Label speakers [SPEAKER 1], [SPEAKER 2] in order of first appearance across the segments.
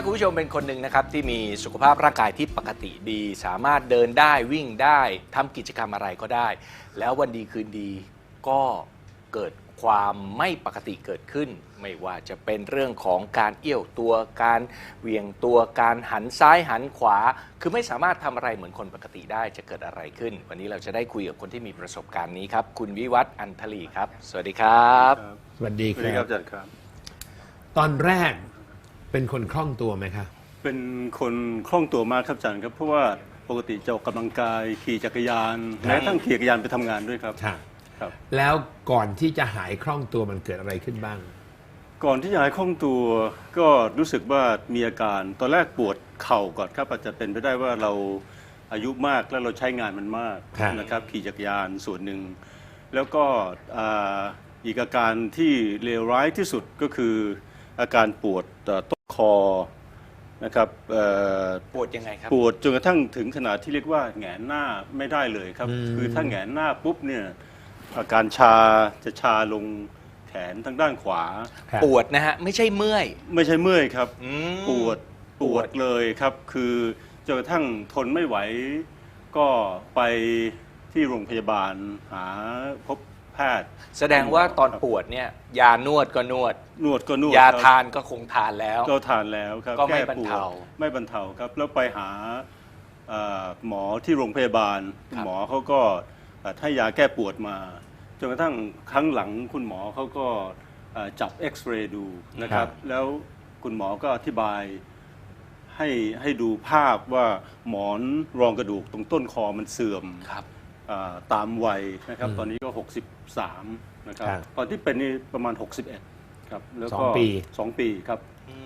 [SPEAKER 1] คุณผู้ชมเป็นคนหนึ่งนะครับที่มีสุขภาพร่างกายที่ปกติดีสามารถเดินได้วิ่งได้ทำกิจกรรมอะไรก็ได้แล้ววันดีคืนดีก็เกิดความไม่ปกติเกิดขึ้นไม่ว่าจะเป็นเรื่องของการเอี้ยวตัวการเหวี่ยงตัวการหันซ้ายหันขวาคือไม่สามารถทำอะไรเหมือนคนปกติได้จะเกิดอะไรขึ้นวันนี้เราจะได้คุยกับคนที่มีประสบการณ์นี้ครับคุณวิวัฒน์อันทลีครับสวัสดีครับ
[SPEAKER 2] สวัสดีครับอาจารย์ครับ
[SPEAKER 3] ตอนแรกเป็นคนคล่องตัวไหมครับ
[SPEAKER 2] เป็นคนคล่องตัวมากครับอาจารย์ครับเพราะว่าปกติจะออกกำลังกายขี่จักรยานแม้ทั้งขี่จักรยานไปทำงานด้วยครับ
[SPEAKER 3] ครับแล้วก่อนที่จะหายคล่องตัวมันเกิดอะไรขึ้นบ้าง
[SPEAKER 2] ก่อนที่จะหายคล่องตัวก็รู้สึกว่ามีอาการตอนแรกปวดเข่าก่อนครับอาจจะเป็นไปได้ว่าเราอายุมากแล้วเราใช้งานมันมากนะครับขี่จักรยานส่วนหนึ่งแล้วก็อีกอาการที่เลวร้ายที่สุดก็คืออาการปวดต้นคอนะครับ
[SPEAKER 1] ปวดยังไงครับ
[SPEAKER 2] ปวดจนกระทั่งถึงขนาดที่เรียกว่าแหงนหน้าไม่ได้เลยครับคือถ้าแหงนหน้าปุ๊บเนี่ยอาการชาจะชาลงแขนทางด้านขวา
[SPEAKER 1] ปวดนะฮะไม่ใช่เมื่อย
[SPEAKER 2] ไม่ใช่เมื่อยครับปวดเลยครับคือจนกระทั่งทนไม่ไหวก็ไปที่โรงพยาบาลหาพบแพทย์
[SPEAKER 1] แสดงว่าตอนปวดเนี่ยยานวดก็นวดยาทานก็คงทานแล้ว
[SPEAKER 2] ก็ทานแล้วครับ
[SPEAKER 1] ก็ไม่บรรเทา
[SPEAKER 2] ครับแล้วไปหาหมอที่โรงพยาบาลหมอเขาก็ให้ยาแก้ปวดมาจนกระทั่งครั้งหลังคุณหมอเขาก็จับเอ็กซเรย์ดูนะครับแล้วคุณหมอก็อธิบายให้ดูภาพว่าหมอนรองกระดูกตรงต้นคอมันเสื่อมตามวัยนะครับตอนนี้ก็63นะครับตอนที่เป็นนี่ประมาณ61ครับแล้วก็2 ปีครับ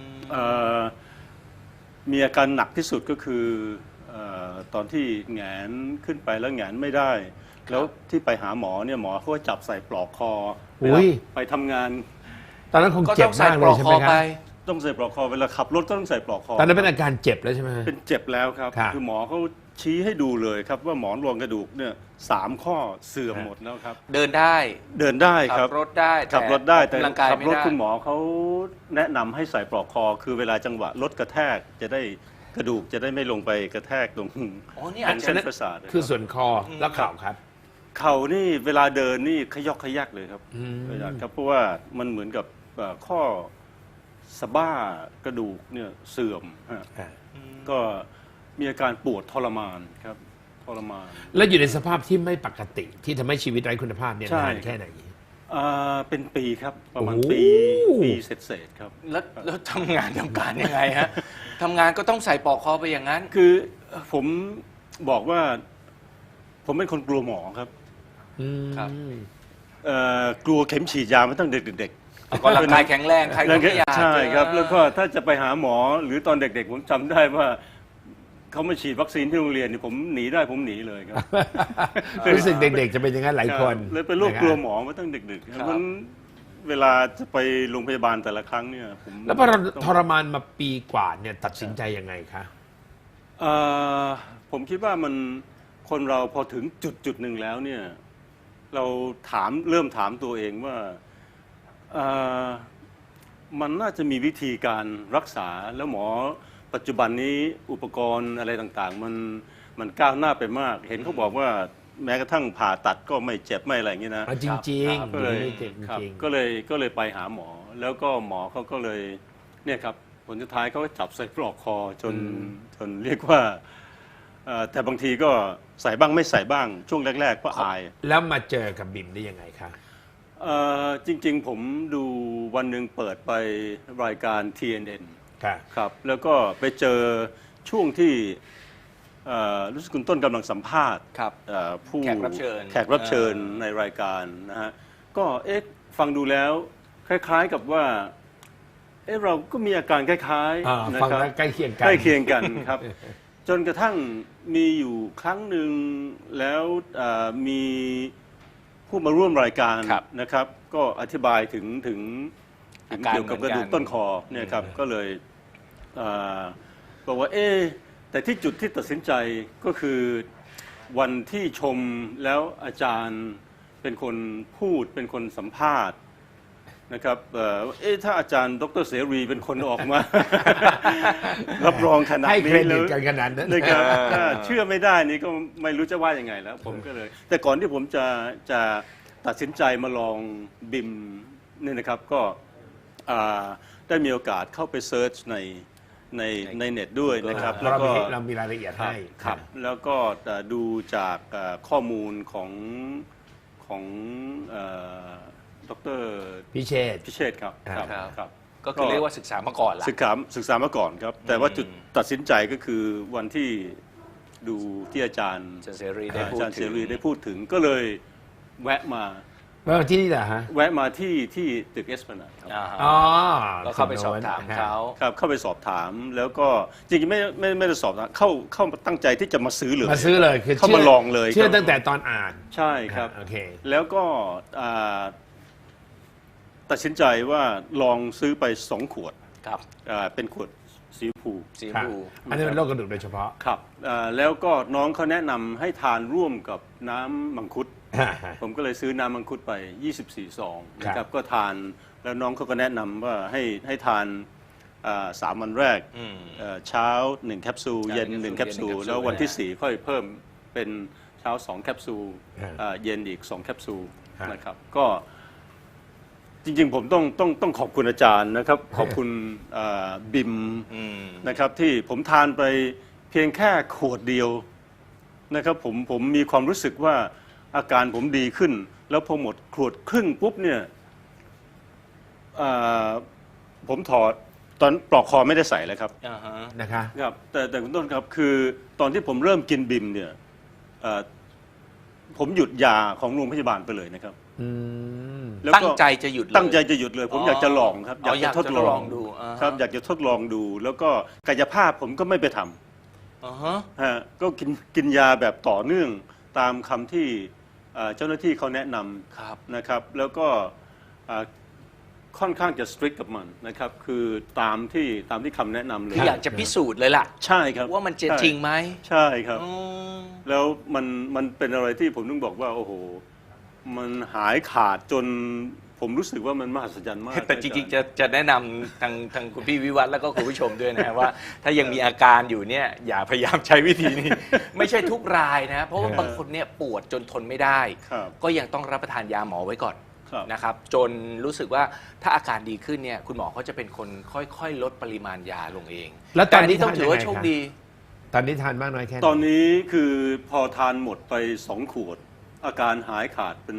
[SPEAKER 2] มีอาการหนักที่สุดก็คือตอนที่แหงนขึ้นไปแล้วแหงนไม่ได้แล้วที่ไปหาหมอเนี่ยหมอเขาก็จับใส่ปลอกคอไปทำงาน
[SPEAKER 3] ตอนนั้นคงเจ็บมากเลยใช่ไหมครับ
[SPEAKER 2] ต้องใส่ปลอกคอเวลาขับรถก็ต้องใส่ปลอกคอ
[SPEAKER 3] ตอนนั้นเป็นอาการเจ็บแล้วใช่ไหม
[SPEAKER 2] เป็นเจ็บแล้วครับคือหมอเขาชี้ให้ดูเลยครับว่าหมอนรองกระดูกเนี่ย3 ข้อเสื่อมหมดแล้วครับ
[SPEAKER 1] เดินได้
[SPEAKER 2] ครับ
[SPEAKER 1] ขับรถได้
[SPEAKER 2] แต่ขับรถคุณหมอเขาแนะนำให้ใส่ปลอกคอคือเวลาจังหวะรถกระแทกจะได้กระดูกจะได้ไม่ลงไปกระแทกตรง
[SPEAKER 3] เส้นประสาทคือส่วนคอแล้วเข่าครับ
[SPEAKER 2] เข่านี่เวลาเดินนี่ขยอกขยักเลยครับเพราะว่ามันเหมือนกับข้อสะบ้ากระดูกเนี่ยเสื่อมก็มีอาการปวดทรมานครับทรมาน
[SPEAKER 3] แล้วอยู่ในสภาพที่ไม่ปกติที่ทำให้ชีวิตไร้คุณภาพเนี่ยนานแค่ไหน
[SPEAKER 2] เป็นปีครับประมาณปีเศษครับ
[SPEAKER 1] แล้วทำงานทำการยังไงฮะทำงานก็ต้องใส่ปลอกคอไปอย่างนั้น
[SPEAKER 2] คือผมบอกว่าผมเป็นคนกลัวหมอครับกลัวเข็มฉีดยามาตั้งเด็ก
[SPEAKER 1] ๆก็ร่างกายแข็งแรงใครก็ไม่อยาก
[SPEAKER 2] ใช่ครับแล้วก็ถ้าจะไปหาหมอหรือตอนเด็กๆผมจำได้ว่าเขามาฉีดวัคซีนที่โรงเรียนนี่ผมหนีได้ผมหนีเลยครับ
[SPEAKER 3] รู้สึกเด็กๆจะเป็นอย่างนั้นหลายคน
[SPEAKER 2] เลยเป็นโรคกลัวหมอมาตั้งเด็กๆเพราะฉะนั้นเวลาจะไปโรงพยาบาลแต่ละครั้งเนี่ยผม
[SPEAKER 3] แล้วพอทรมานมาปีกว่าเนี่ยตัดสินใจยังไงคะ
[SPEAKER 2] ผมคิดว่ามันคนเราพอถึงจุดหนึ่งแล้วเนี่ยเราเริ่มถามตัวเองว่ามันน่าจะมีวิธีการรักษาแล้วหมอปัจจุบันนี้อุปกรณ์อะไรต่างๆมันก้าวหน้าไปมากเห็นเขาบอกว่าแม้กระทั่งผ่าตัดก็ไม่เจ็บไม่อะไรอย่างนี้นะ
[SPEAKER 3] จริงๆ
[SPEAKER 2] ก็เลยไปหาหมอแล้วก็หมอเขาก็เลยเนี่ยครับผลสุดท้ายเขาก็จับใส่ปลอกคอจนเรียกว่าแต่บางทีก็ใส่บ้างไม่ใส่บ้างช่วงแรกๆก็อาย
[SPEAKER 3] แล้วมาเจอกับบิมได้ยังไงคะ
[SPEAKER 2] จริงๆผมดูวันหนึ่งเปิดไปรายการ TNN ครับแล้วก็ไปเจอช่วงที่รู้สึกคุณต้นกำลังสัมภาษณ์
[SPEAKER 1] ผู้แขกรับ
[SPEAKER 2] เชิญในรายการนะฮะก็ฟังดูแล้วคล้ายๆกับว่าเราก็มีอาการคล้าย
[SPEAKER 3] ๆนะครับใกล้เคีย
[SPEAKER 2] งกันครับจนกระทั่งมีอยู่ครั้งหนึ่งแล้วมีผู้มาร่วมรายการนะครับก็อธิบายถึงเกี่ยวกับกระดูกต้นคอเนี่ยครับก็เลยบอกว่าแต่ที่จุดที่ตัดสินใจก็คือวันที่ชมแล้วอาจารย์เป็นคนพูดเป็นคนสัมภาษณ์นะครับถ้าอาจารย์ดร.เสรีเป็นคนออกมา รับรองขนาด
[SPEAKER 3] ให้เค
[SPEAKER 2] นี้
[SPEAKER 3] ร
[SPEAKER 2] แล้
[SPEAKER 3] ดิ
[SPEAKER 2] ว
[SPEAKER 3] ตกันขนาดนั้น
[SPEAKER 2] นะครับถ้าเชื่อไม่ได้นี่ก็ไม่รู้จะว่ายังไงแล้ว ผมก็เลย แต่ก่อนที่ผมจะตัดสินใจมาลองบิมนี่นะครับก็ได้มีโอกาสเข้าไปเซิร์ชในเน็ตด้วยนะครับ
[SPEAKER 3] เพ
[SPEAKER 2] แล้ว
[SPEAKER 3] ราะ
[SPEAKER 2] ก็
[SPEAKER 3] เรามีรายละเอียดให้
[SPEAKER 2] ครับแล้วก็ดูจากข้อมูลของดร.
[SPEAKER 3] พิเชษฐ์
[SPEAKER 2] พิเชษฐ์ครับ
[SPEAKER 3] ครับ
[SPEAKER 2] ครับ
[SPEAKER 1] ก็คือเรียกว่าศึกษามาก่อนละ
[SPEAKER 2] ศึกษามาก่อนครับ แต่ว่าจุดตัดสินใจก็คือวันที่ดูที่อาจารย์
[SPEAKER 1] อาจารย์เสรีได้พูด
[SPEAKER 2] อาจารย์
[SPEAKER 1] ถึ
[SPEAKER 2] เส
[SPEAKER 1] ง
[SPEAKER 2] รีได้พูดถึงก็เลยแวะมา
[SPEAKER 3] ว่าที่นี่เหรอฮะ
[SPEAKER 2] แวะมาที่ตึกเอสพลานาดครับ
[SPEAKER 1] อ่าฮะ
[SPEAKER 3] อ๋อ
[SPEAKER 1] ก็เข้าไปสอบถามเขา
[SPEAKER 2] ครับเข้าไปสอบถามแล้วก็จริงๆไม่ได้สอบถามเข้าตั้งใจที่จะมาซื้อเลย
[SPEAKER 3] มาซื้อเลยคือ
[SPEAKER 2] เข้ามาลองเลย
[SPEAKER 3] เชื่อ
[SPEAKER 2] ครับ
[SPEAKER 3] ตั้งแต่ตอนอ่าน
[SPEAKER 2] ใช่ครับ
[SPEAKER 3] โอเค
[SPEAKER 2] แล้วก็ตัดสินใจว่าลองซื้อไป2 ขวด
[SPEAKER 1] ครับ
[SPEAKER 2] เป็นขวดสีชมพู
[SPEAKER 1] สีชม
[SPEAKER 3] ครับ
[SPEAKER 1] พู
[SPEAKER 3] อันนี้เป็นโรคกระดูกโดยเฉพาะ
[SPEAKER 2] ครับแล้วก็น้องเขาแนะนำให้ทานร่วมกับน้ำมังคุด ผมก็เลยซื้อน้ำมังคุดไป 24 ซองนะค
[SPEAKER 3] ครั
[SPEAKER 2] รับบ ก็ทานแล้วน้องเขาก็แนะนำว่าให้ทาน3 วันแรก
[SPEAKER 1] อืม
[SPEAKER 2] เช้า1 แคปซูลเย็น1 แคปซูล
[SPEAKER 1] เย็น1
[SPEAKER 2] แล้ววันที่ 4 ค่อยเพิ่มเป็นเช้า2 แคปซูล
[SPEAKER 3] ฮะ
[SPEAKER 2] เย็นอีก2 แคปซูล
[SPEAKER 3] ฮะ
[SPEAKER 2] นะครับก็จริงๆผมต้องขอบคุณอาจารย์นะครับขอบคุณบิม
[SPEAKER 1] อืม
[SPEAKER 2] นะครับที่ผมทานไปเพียงแค่ขวดเดียวนะครับผมมีความรู้สึกว่าอาการผมดีขึ้น แล้วพอหมดขวดครึ่งปุ๊บเนี่ยผมถอดตอนปลอกคอไม่ได้ใส่เลยครับ
[SPEAKER 1] อ่าฮะ
[SPEAKER 3] นะคะ
[SPEAKER 2] ครับแต่คุณต้นครับคือตอนที่ผมเริ่มกินบิมเนี่ยผมหยุดยาของโรงพยาบาลไปเลยนะครับ
[SPEAKER 3] อืม
[SPEAKER 2] แล้ว
[SPEAKER 1] ตั้
[SPEAKER 2] ก็
[SPEAKER 1] งใจจะหยุดเลย
[SPEAKER 2] ตั้งใจจะหยุดเลย ผมอยากจะลองครับ
[SPEAKER 1] อ๋ออยากจะลอง
[SPEAKER 2] ดู
[SPEAKER 1] ดูอ่าฮะ
[SPEAKER 2] ครับอยากจะทดลองดู แล้วก็กายภาพผมก็ไม่ไปทำ
[SPEAKER 1] อ่าฮะ
[SPEAKER 2] ฮะก็กินยาแบบต่อเนื่องตามคำที่เจ้าหน้าที่เขาแนะน
[SPEAKER 1] ครับ
[SPEAKER 2] ำนะครับ แล้วก็ค่อนข้างจะ strict กับมันนะครับคือตามที่คำแนะนำเลย
[SPEAKER 1] คืออยากจะพิสูจน์เลยล่ะ
[SPEAKER 2] ใช่ครับ
[SPEAKER 1] ว่ามันจะ
[SPEAKER 2] ใช่
[SPEAKER 1] จริงไหม
[SPEAKER 2] ใช่ครับ
[SPEAKER 1] อืม
[SPEAKER 2] แล้วมันเป็นอะไรที่ผมต้องบอกว่าโอ้โหมันหายขาดจนผมรู้สึกว่ามันมหัศจรรย์มาก
[SPEAKER 1] แต่จริงๆจะแนะนำทางคุณพี่วิวัฒน์แล้วก็คุณผู้ชมด้วยนะว่า ถ้ายังมีอาการอยู่เนี่ยอย่าพยายามใช้วิธีนี้ ไม่ใช่ทุกรายนะ เพราะว่าบางคนเนี่ยปวดจนทนไม่ได้
[SPEAKER 2] ครับ
[SPEAKER 1] ก็ยังต้องรับประทานยาหมอไว้ก่อน
[SPEAKER 2] ครับ
[SPEAKER 1] นะครับ จนรู้สึกว่าถ้าอาการดีขึ้นเนี่ยคุณหมอเขาจะเป็นคนค่อยๆ ลดปริมาณยาลงเอง
[SPEAKER 3] แล้วตอนนี้
[SPEAKER 1] ต่ต้องถือว่า
[SPEAKER 3] ทานยังไง
[SPEAKER 1] โชค
[SPEAKER 3] ครับ
[SPEAKER 1] ดี
[SPEAKER 3] ตอนนี้ทานมากน้อยแค่ไหน
[SPEAKER 2] ตอนนี้คือพอทานหมดไป2 ขวด อาการหายขาดเป็น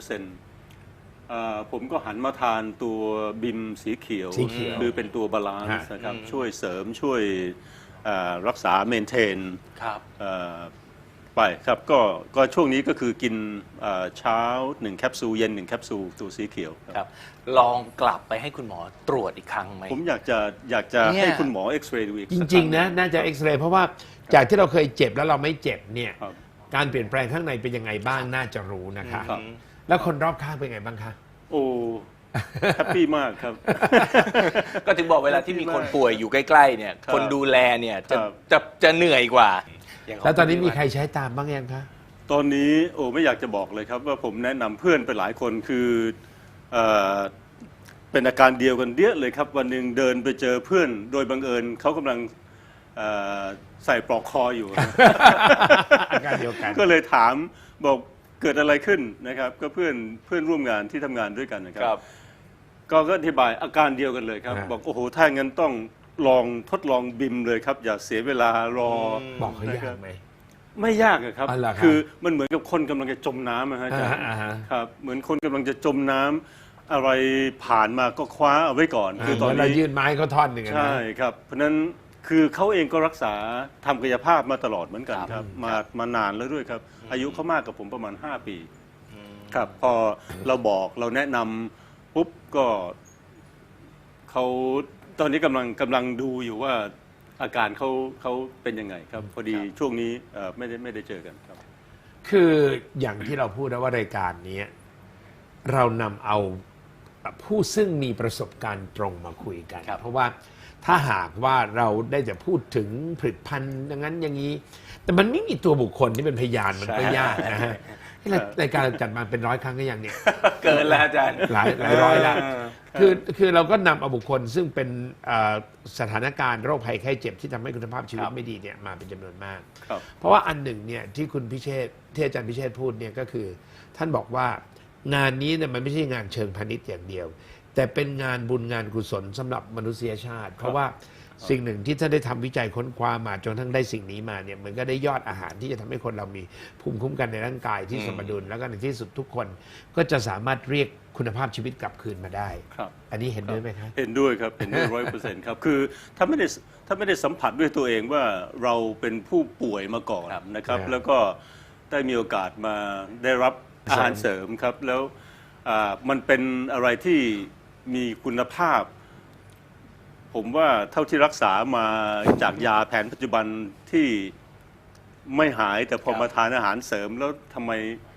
[SPEAKER 2] 100%ผมก็หันมาทานตัวบิมสีเขียว
[SPEAKER 3] สีเขียว
[SPEAKER 2] คือเป็นตัวบาลานซ์
[SPEAKER 3] ฮะ
[SPEAKER 2] นะครับช่วยเสริมช่วยรักษาเมนเทน
[SPEAKER 1] ครับ
[SPEAKER 2] ไปครับก็ช่วงนี้ก็คือกินเช้า1 แคปซูลเย็น1 แคปซูลตัวสีเขียวครับ
[SPEAKER 1] ครับ ลองกลับไปให้คุณหมอตรวจอีกครั้งไหม
[SPEAKER 2] ผมอยากจะ
[SPEAKER 1] เนี่ย
[SPEAKER 2] ให้คุณหมอเอ็กซเรย์ดูอีก
[SPEAKER 3] จ
[SPEAKER 2] สัก
[SPEAKER 3] ริง
[SPEAKER 2] ค
[SPEAKER 3] ๆ นะ น่าจะเอ็กซเรย์เพราะว่าจากที่เราเคยเจ็บแล้วเราไม่เจ็บเนี่ย
[SPEAKER 2] ครับ
[SPEAKER 3] การเปลี่ยนแปลงข้างในเป็นยังไงบ้างน่าจะรู้นะคะ
[SPEAKER 2] ครับ
[SPEAKER 3] แล้วคนรอบข้างเป็นไงบ้างคะ
[SPEAKER 2] โอ้แฮปปี้มากครับ
[SPEAKER 1] ก็ถึงบอกเวลาที่มีคนป่วยอยู่ใกล้ๆเนี่ย
[SPEAKER 2] ครับ
[SPEAKER 1] คนดูแลเนี่ยจะ
[SPEAKER 2] ครับ
[SPEAKER 1] จะเหนื่อยกว่าย่างขง
[SPEAKER 3] แล้วตอนนี้
[SPEAKER 1] คุณ
[SPEAKER 3] มี
[SPEAKER 1] วิวัฒ
[SPEAKER 3] ใครใช้ตามบ้างยังคะ
[SPEAKER 2] ตอนนี้ไม่อยากจะบอกเลยครับว่าผมแนะนำเพื่อนไปหลายคนคือเอ่อเป็นอาการเดียวกันเดียเลยครับ วันหนึ่งเดินไปเจอเพื่อนโดยบังเอิญเขากำลังใส่ปลอกคออยู่
[SPEAKER 3] อาการเดียวกัน
[SPEAKER 2] ก็เลยถามบอกเกิดอะไรขึ้นนะครับ ก็เพื่อนร่วมงานที่ทำงานด้วยกันนะค
[SPEAKER 1] ค
[SPEAKER 2] รั
[SPEAKER 1] รับ บ
[SPEAKER 2] ก็อธิบายอาการเดียวกันเลยครับ
[SPEAKER 3] อ่า
[SPEAKER 2] บอกโอ้โหถ้างั้นต้องทดลองบิมเลยครับ อย่าเสียเวลารอ
[SPEAKER 3] บอกเขายากไหม
[SPEAKER 2] ไม่ยากอะครับ
[SPEAKER 3] อ๋อเหรอครับ
[SPEAKER 2] คือมันเหมือนกับคนกำลังจะจมน้ำนะฮะอาจารย์
[SPEAKER 3] อ่าฮะ
[SPEAKER 2] ครับ เหมือนคนกำลังจะจมน้ำอะไรผ่านมาก็คว้าเอาไว้ก่อน คือตอน
[SPEAKER 3] เรา
[SPEAKER 2] นี้
[SPEAKER 3] ยื่นไม้เขาท่อนหนึ่งอะนะ
[SPEAKER 2] ใช่ครับ เพราะฉะนั้นคือเขาเองก็รักษาทำกายภาพมาตลอดเหมือนกันครับ มานานแล้วด้วยครับ อายุเขามากกับผมประมาณ 5 ปีครับ พอเราบอกเราแนะนำปุ๊บก็เขาตอนนี้กำลังดูอยู่ว่าอาการเขาเป็นยังไงครับ พอดีช่วงนี้ไม่ได้เจอกันครับ
[SPEAKER 3] คืออย่างที่เราพูดนะว่ารายการนี้เรานำเอาผู้ซึ่งมีประสบการณ์ตรงมาคุยกัน
[SPEAKER 1] ครับ
[SPEAKER 3] เพราะว่าถ้าหากว่าเราได้จะพูดถึงผลิตภัณฑ์อย่างนั้นอย่างนี้ แต่มันไม่มีตัวบุคคลที่เป็นพยานมันก็ยากนะฮะรายการเราจัดมาเป็น100 ครั้งก็ยังเนี่ย
[SPEAKER 1] เกินแล้วอาจารย์
[SPEAKER 3] หลายร้อยแล้วคือเราก็นำเอาบุคคลซึ่งเป็นสถานการณ์โรคภัยไข้เจ็บที่ทำให้คุณภาพชีวิตไม่ดีเนี่ยมาเป็นจำนวนมาก
[SPEAKER 2] ครับ
[SPEAKER 3] เพราะว่าอันหนึ่งเนี่ยที่คุณพิเชษฐ์ที่อาจารย์พิเชษฐ์พูดเนี่ยก็คือ ท่านบอกว่างานนี้เนี่ยมันไม่ใช่งานเชิงพาณิชย์อย่างเดียว แต่เป็นงานบุญงานกุศลสำหรับมนุษยชาติ เพราะว่าสิ่งหนึ่งที่ท่านได้ทำวิจัยค้นคว้ามาจนทั้งได้สิ่งนี้มาเนี่ยมันก็ได้ยอดอาหารที่จะทำให้คนเรามีภูมิคุ้มกันในร่างกายที่สมดุลแล้วก็ในที่สุดทุกคนก็จะสามารถเรียกคุณภาพชีวิตกลับคืนมาได้
[SPEAKER 2] ครับ
[SPEAKER 3] อันนี้เห็นด้วยไหมครับ
[SPEAKER 2] เห็นด้วยครับเห็นด้วย100%ครับคือถ้าไม่ได้สัมผัสด้วยตัวเองว่าเราเป็นผู้ป่วยมาก่อนนะครับ
[SPEAKER 3] ครับ
[SPEAKER 2] แล้วก็ได้มีโอกาสมาได้รับอาหารเสริมครับ แล้วมันเป็นอะไรที่มีคุณภาพ ผมว่าเท่าที่รักษามาจากยาแผนปัจจุบันที่ไม่หายแต่พอมาทานอาหารเสริมแล้วทำไม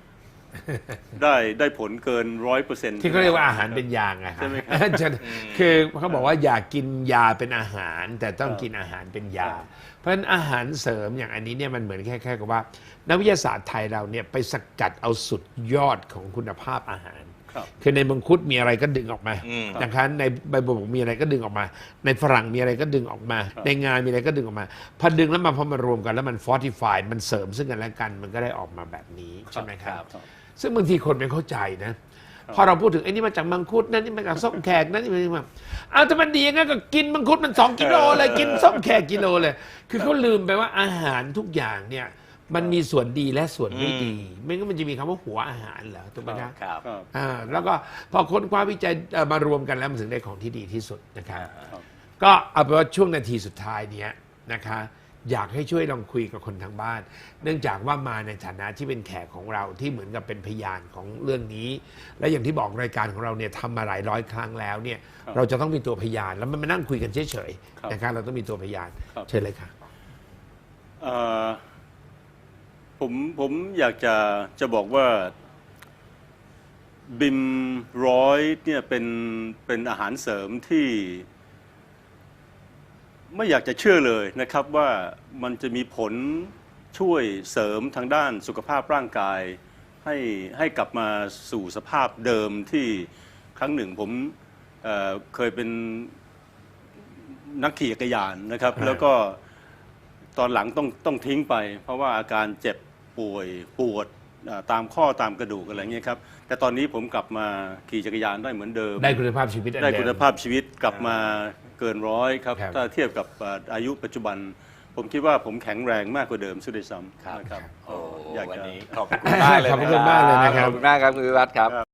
[SPEAKER 2] ได้ผลเกิน100%
[SPEAKER 3] ที่เขาเรียกว่าอาหารเป็นยาไง
[SPEAKER 2] ใช่ไหมครับ
[SPEAKER 3] คือเขาบอกว่าอย่ากินยาเป็นอาหาร แต่ต้องกินอาหารเป็นยา เพราะฉะนั้นอาหารเสริมอย่างอันนี้เนี่ยมันเหมือนแค่กับว่านักวิทยาศาสตร์ไทยเราเนี่ยไปสกัดเอาสุดยอดของคุณภาพอาหาร
[SPEAKER 2] ครับ
[SPEAKER 3] คือในมังคุดมีอะไรก็ดึงออกมา
[SPEAKER 1] อืม
[SPEAKER 3] นะคะในใบบัวบกมีอะไรก็ดึงออกมา ในฝรั่งมีอะไรก็ดึงออกมา ในงานมีอะไรก็ดึงออกมาพอดึงแล้วมาพอมารวมกันแล้วมันฟอร์ติฟายมันเสริมซึ่งกันและกันมันก็ได้ออกมาแบบนี้ใช่ไหมครับ
[SPEAKER 2] ครับ
[SPEAKER 3] ซึ่งบางทีคนไม่เข้าใจนะ พอเราพูดถึงไอ้นี่มาจากมังคุดนั่นนี่มาจากส้มแขกนั่นนี่มาอ้าวแต่มันดียังไงก็กินมังคุดมัน2 กิโลเลยกินส้มแขกกิโลเลย คือเขาลืมไปว่าอาหารทุกอย่างเนี่ยมันมีส่วนดีและส่วนไม่ดี ไม่งั้นมันจะมีคำว่าหัวอาหารเหรอถูกไหมครับ
[SPEAKER 1] ครับ
[SPEAKER 2] ครับ
[SPEAKER 3] แล้วก็พอค้นคว้าวิจัยมารวมกันแล้วมันถึงได้ของที่ดีที่สุดนะครับ
[SPEAKER 2] ครับ
[SPEAKER 3] ก็เอาเป็นว่าช่วงนาทีสุดท้ายเนี้ยนะคะอยากให้ช่วยลองคุยกับคนทางบ้าน เนื่องจากว่ามาในฐานะที่เป็นแขกของเราที่เหมือนกับเป็นพยานของเรื่องนี้ และอย่างที่บอกรายการของเราเนี่ยทำมาหลายร้อยครั้งแล้วเนี่ย
[SPEAKER 2] ครับ
[SPEAKER 3] เราจะต้องมีตัวพยานแล้วมันมานั่งคุยกันเฉย
[SPEAKER 2] ครับ
[SPEAKER 3] ๆนะครับเราต้องมีตัวพยาน
[SPEAKER 2] ครับ
[SPEAKER 3] เชิญเลยค่ะ
[SPEAKER 2] เอ่อผมอยากจะบอกว่าบิม100เนี่ยเป็นอาหารเสริมที่ไม่อยากจะเชื่อเลยนะครับว่ามันจะมีผลช่วยเสริมทางด้านสุขภาพร่างกายให้กลับมาสู่สภาพเดิมที่ครั้งหนึ่งผมเคยเป็นนักขี่จักรยานนะครับ แล้วก็ตอนหลังต้องทิ้งไป เพราะว่าอาการเจ็บป่วยปวดตามข้อตามกระดูกอะไรเงี้ยครับแต่ตอนนี้ผมกลับมาขี่จักรยานได้เหมือนเดิม
[SPEAKER 3] ได้คุณภาพชีวิตอัน
[SPEAKER 2] ได้
[SPEAKER 3] เดิม
[SPEAKER 2] คุณภาพชีวิตกลับมาเกิน100ครับ
[SPEAKER 3] ครับ
[SPEAKER 2] ถ้าเทียบกับอายุปัจจุบัน ผมคิดว่าผมแข็งแรงมากกว่าเดิมซะด้วยซ้ำนะครับ
[SPEAKER 1] โอ้
[SPEAKER 2] อยาก
[SPEAKER 1] วัน
[SPEAKER 2] จะ
[SPEAKER 1] นี้ขอบคุณมากเลย
[SPEAKER 3] ขอบคุณมากเลยนะครับ
[SPEAKER 1] ขอบคุณมากครับคุณวิวัฒน์ครับ